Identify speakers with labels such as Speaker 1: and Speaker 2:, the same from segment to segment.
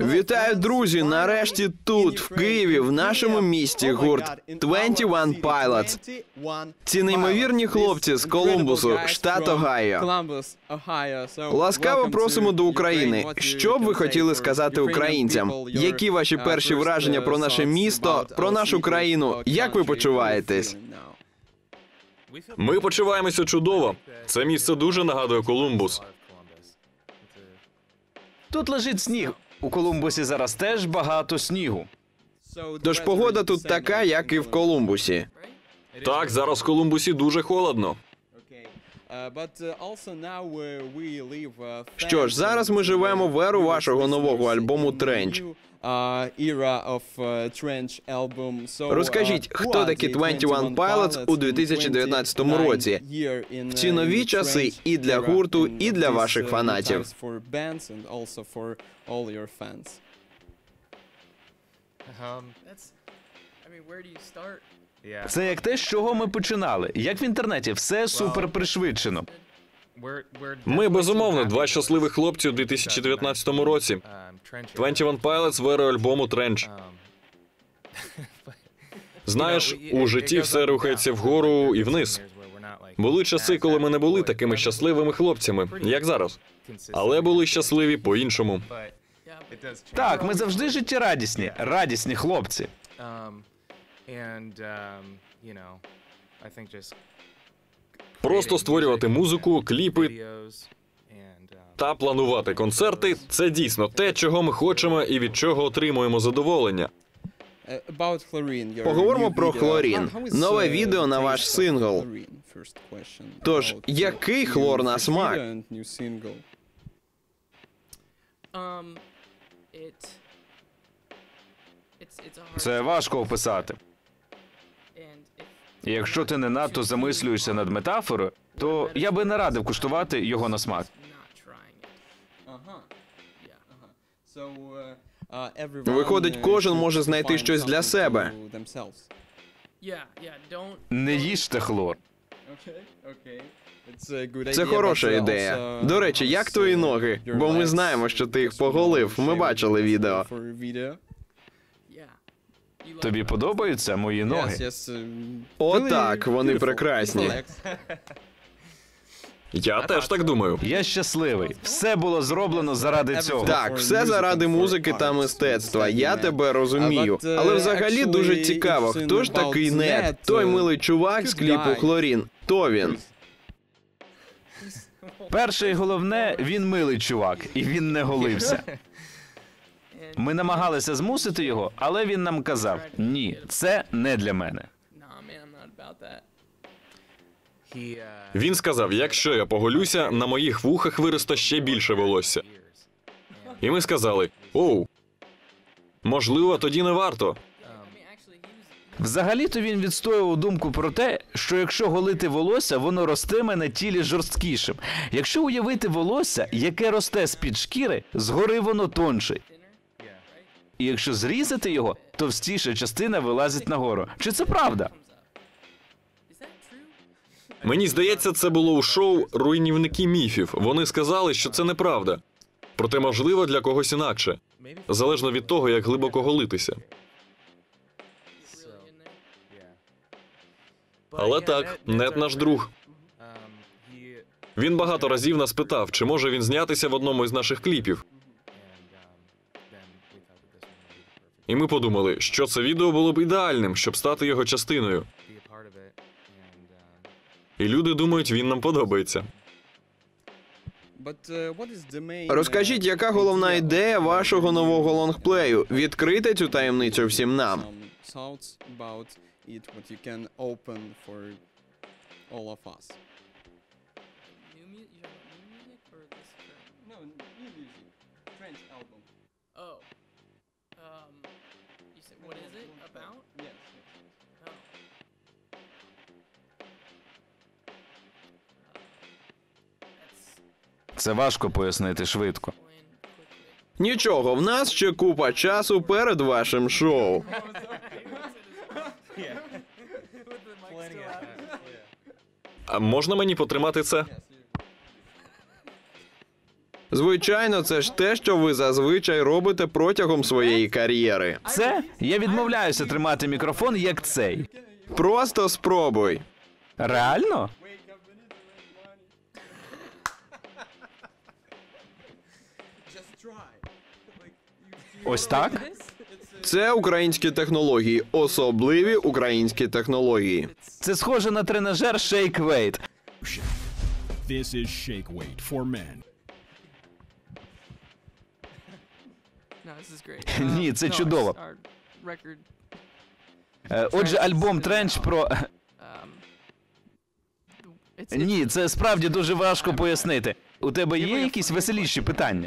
Speaker 1: Вітаю, друзі! Нарешті тут, в Києві, в нашому місті, гурт 21 Pilots. Ці неймовірні хлопці з Колумбусу, штат Огайо. Ласкаво просимо до України. Що б ви хотіли сказати українцям? Які ваші перші враження про наше місто, про нашу країну? Як ви почуваєтесь?
Speaker 2: Ми почуваємося чудово. Це місце дуже нагадує Колумбус.
Speaker 3: Тут лежить сніг. У Колумбусі зараз теж багато снігу.
Speaker 1: Тож погода тут така, як і в Колумбусі.
Speaker 2: Так, зараз в Колумбусі дуже холодно.
Speaker 1: Що ж, зараз ми живемо в еру вашого нового альбому «Тренч». Розкажіть, хто такі 21 Pilots у 2019 році? В ці нові часи і для гурту, і для ваших фанатів.
Speaker 3: Це як те, з чого ми починали. Як в інтернеті, все супер пришвидшено.
Speaker 2: Ми, безумовно, два щасливих хлопці у 2019 році. 21 Pilots в еру альбому «Тренч». Знаєш, у житті все рухається вгору і вниз. Були часи, коли ми не були такими щасливими хлопцями, як зараз. Але були щасливі по-іншому.
Speaker 3: Так, ми завжди життєрадісні, радісні хлопці.
Speaker 2: Просто створювати музику, кліпи та планувати концерти – це дійсно те, чого ми хочемо і від чого отримуємо задоволення.
Speaker 1: Поговоримо про «Хлорін». Нове відео на ваш сингл. Тож, який хлор на смак?
Speaker 3: Це важко описати. І якщо ти не надто замислюєшся над метафорою, то я би не радив куштувати його на смак.
Speaker 1: Виходить, кожен може знайти щось для себе.
Speaker 3: Не їжте хлор.
Speaker 1: Це хороша ідея. До речі, як твої ноги? Бо ми знаємо, що ти їх поголив. Ми бачили відео.
Speaker 3: Тобі подобаються мої ноги?
Speaker 1: О, так, вони прекрасні.
Speaker 2: Я теж так думаю.
Speaker 3: Я щасливий. Все було зроблено заради цього.
Speaker 1: Так, все заради музики та мистецтва. Я тебе розумію. Але взагалі дуже цікаво, хто ж такий Нед? Той милий чувак з кліпу «Хлорін». Хто він?
Speaker 3: Перше і головне, він милий чувак, і він не голився. Ми намагалися змусити його, але він нам казав: ні, це не для мене.
Speaker 2: Він сказав, якщо я поголюся, на моїх вухах виросте ще більше волосся. І ми сказали: оу, можливо, тоді не варто.
Speaker 3: Взагалі-то він відстоював думку про те, що якщо голити волосся, воно ростиме на тілі жорсткішим. Якщо уявити волосся, яке росте з-під шкіри, згори воно тонше. І якщо зрізати його, товстіша частина вилазить нагору. Чи це правда?
Speaker 2: Мені здається, це було у шоу «Руйнівники міфів». Вони сказали, що це неправда. Проте, можливо, для когось інакше. Залежно від того, як глибоко голитися. Але так, Нед наш друг. Він багато разів нас питав, чи може він знятися в одному із наших кліпів. І ми подумали, що це відео було б ідеальним, щоб стати його частиною. І люди думають, він нам подобається.
Speaker 1: Розкажіть, яка головна ідея вашого нового лонгплею? Відкрийте цю таємницю всім нам.
Speaker 3: Це важко пояснити швидко.
Speaker 1: Нічого, в нас ще купа часу перед вашим шоу.
Speaker 2: А можна мені потримати це?
Speaker 1: Звичайно, це ж те, що ви зазвичай робите протягом своєї кар'єри.
Speaker 3: Це? Я відмовляюся тримати мікрофон, як цей.
Speaker 1: Просто спробуй.
Speaker 3: Реально? Ось так?
Speaker 1: Це українські технології, особливі українські технології.
Speaker 3: Це схоже на тренажер Shake Weight.
Speaker 4: This is Shake Weight for men.
Speaker 5: No, this is great.
Speaker 3: Ні, це
Speaker 5: No,
Speaker 3: чудово.
Speaker 5: our record,
Speaker 3: Отже, альбом Тренч про...
Speaker 5: it's
Speaker 3: Ні, це справді дуже важко пояснити. У тебе є якісь веселіші питання?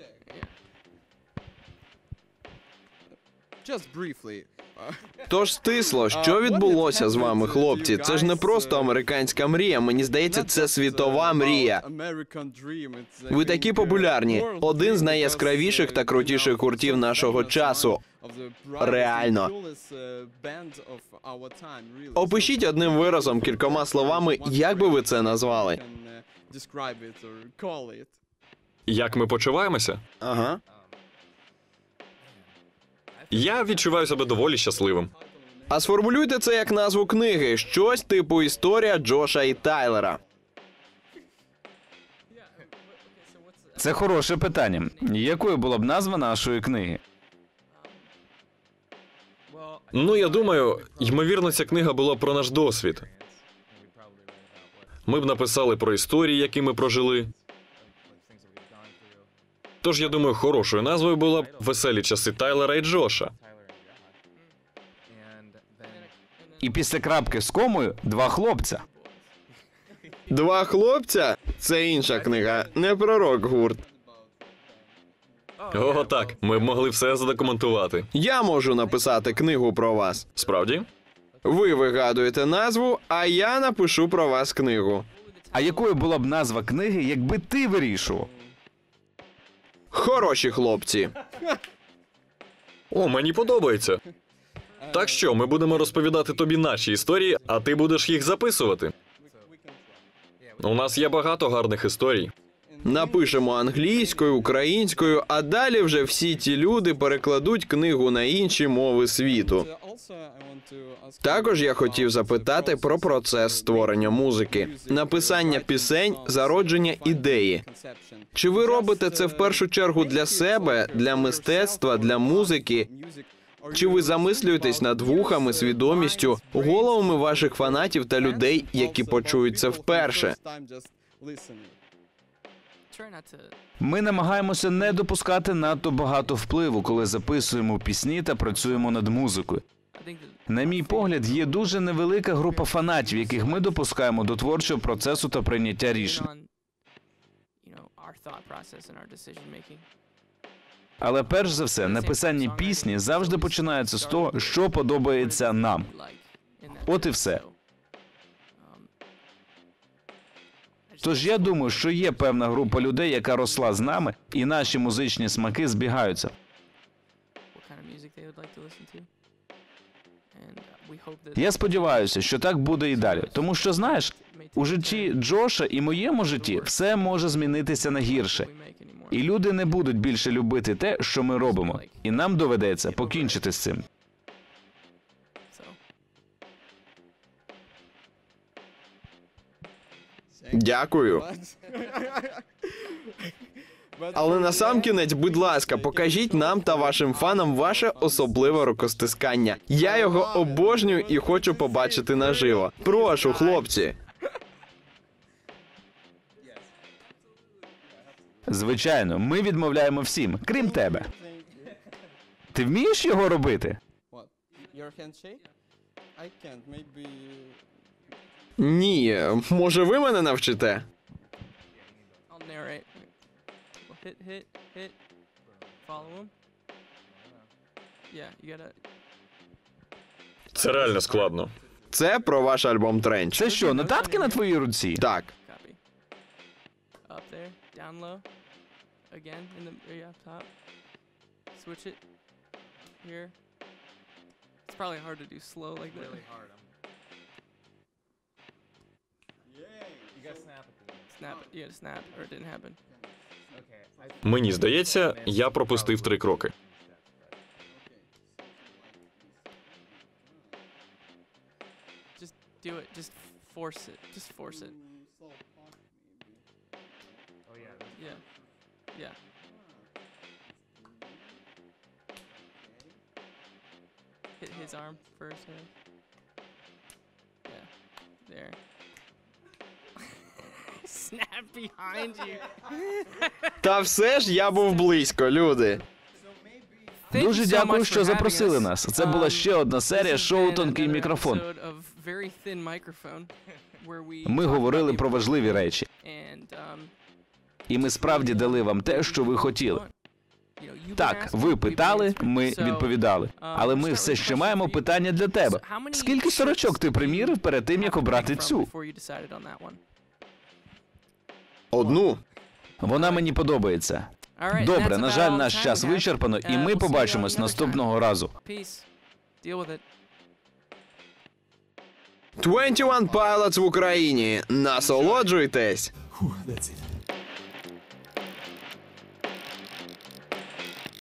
Speaker 6: Just briefly.
Speaker 1: Тож стисло, що відбулося з вами, хлопці? Це ж не просто американська мрія, мені здається, це світова мрія. Ви такі популярні. Один з найяскравіших та крутіших гуртів нашого часу. Реально. Опишіть одним виразом, кількома словами, як би ви це назвали.
Speaker 2: Як ми почуваємося?
Speaker 1: Ага.
Speaker 2: Я відчуваю себе доволі щасливим.
Speaker 1: А сформулюйте це як назву книги. Щось типу історія Джоша і Тайлера.
Speaker 3: Це хороше питання. Якою була б назва нашої книги?
Speaker 2: Ну, я думаю, ймовірно, ця книга була про наш досвід. Ми б написали про історії, які ми прожили. Тож, я думаю, хорошою назвою була б «Веселі часи Тайлера і Джоша».
Speaker 3: І після крапки з комою два хлопця.
Speaker 1: Два хлопця? Це інша книга, не про рок-гурт.
Speaker 2: О, так, ми б могли все задокументувати.
Speaker 1: Я можу написати книгу про вас.
Speaker 2: Справді?
Speaker 1: Ви вигадуєте назву, а я напишу про вас книгу.
Speaker 3: А якою була б назва книги, якби ти вирішував?
Speaker 1: Хороші хлопці.
Speaker 2: О, мені подобається. Так що, ми будемо розповідати тобі наші історії, а ти будеш їх записувати. У нас є багато гарних історій.
Speaker 1: Напишемо англійською, українською, а далі вже всі ті люди перекладуть книгу на інші мови світу. Також я хотів запитати про процес створення музики, написання пісень, зародження ідеї. Чи ви робите це в першу чергу для себе, для мистецтва, для музики? Чи ви замислюєтесь над вухами, свідомістю, головами ваших фанатів та людей, які почують це вперше?
Speaker 5: try not to.
Speaker 3: Ми намагаємося не допускати надто багато впливу, коли записуємо пісні та працюємо над музикою.
Speaker 5: I think that
Speaker 3: На мій погляд, є дуже невелика група фанатів, яких ми допускаємо до творчого процесу та прийняття рішень.
Speaker 5: on, our thought process and our decision making.
Speaker 3: Але перш за все, написання пісні завжди починається з того, що подобається нам. От і все. Тож я думаю, що є певна група людей, яка росла з нами, і наші музичні смаки збігаються. Я сподіваюся, що так буде і далі. Тому що, знаєш, у житті Джоша і моєму житті все може змінитися на гірше. І люди не будуть більше любити те, що ми робимо. І нам доведеться покінчити з цим.
Speaker 1: Дякую. Але насамкінець, будь ласка, покажіть нам та вашим фанам ваше особливе рукостискання. Я його обожнюю і хочу побачити наживо. Прошу, хлопці.
Speaker 3: Звичайно, ми відмовляємо всім, крім тебе. Ти вмієш його робити?
Speaker 1: Ні, може ви мене навчите?
Speaker 5: I'll narrate. Hit, hit, hit. Follow him. Yeah, you gotta.
Speaker 2: Це реально складно.
Speaker 1: Це про ваш альбом Тренч.
Speaker 3: Це що, нотатки на твоїй руці?
Speaker 1: Так.
Speaker 5: Copy. Up there, down low. Again, in the area up top. Switch it. Here. It's probably hard to do slow like that. Really hard. Snap it. You gotta snap, or it didn't happen.
Speaker 2: Мені здається, я пропустив 3 кроки.
Speaker 5: Just do it. Just force it. Just force it. Yeah. Yeah. Hit his arm first. Yeah. There. Snap behind you.
Speaker 1: Та все ж я був близько, люди.
Speaker 5: Thank you
Speaker 3: Дуже
Speaker 5: so
Speaker 3: дякую,
Speaker 5: much
Speaker 3: що
Speaker 5: for
Speaker 3: запросили
Speaker 5: having us.
Speaker 3: нас. Це була ще одна серія
Speaker 5: This has
Speaker 3: шоу
Speaker 5: been
Speaker 3: «Тонкий
Speaker 5: another
Speaker 3: мікрофон».
Speaker 5: episode of Very Thin Microphone, where we
Speaker 3: Ми
Speaker 5: talk
Speaker 3: говорили
Speaker 5: about
Speaker 3: про
Speaker 5: the
Speaker 3: важливі
Speaker 5: important
Speaker 3: речі.
Speaker 5: and,
Speaker 3: І ми справді дали вам те, що ви хотіли.
Speaker 5: you know, you've been
Speaker 3: Так,
Speaker 5: asking,
Speaker 3: ви
Speaker 5: we've been
Speaker 3: питали,
Speaker 5: answering.
Speaker 3: ми
Speaker 5: So,
Speaker 3: відповідали. Але ми все ще маємо питання для тебе. Скільки сорочок ти примірив перед тим, як обрати цю?
Speaker 5: before you decided on that one?
Speaker 1: Одну.
Speaker 3: Вона мені подобається.
Speaker 5: All right,
Speaker 3: Добре,
Speaker 5: that's
Speaker 3: на
Speaker 5: about
Speaker 3: жаль,
Speaker 5: all the
Speaker 3: наш
Speaker 5: time
Speaker 3: час
Speaker 5: we have.
Speaker 3: вичерпано, і
Speaker 5: We'll
Speaker 3: ми
Speaker 5: see you
Speaker 3: побачимось
Speaker 5: another time.
Speaker 3: наступного разу.
Speaker 5: Peace. Deal with it.
Speaker 1: 21 Pilots в Україні. Насолоджуйтесь!
Speaker 4: That's it.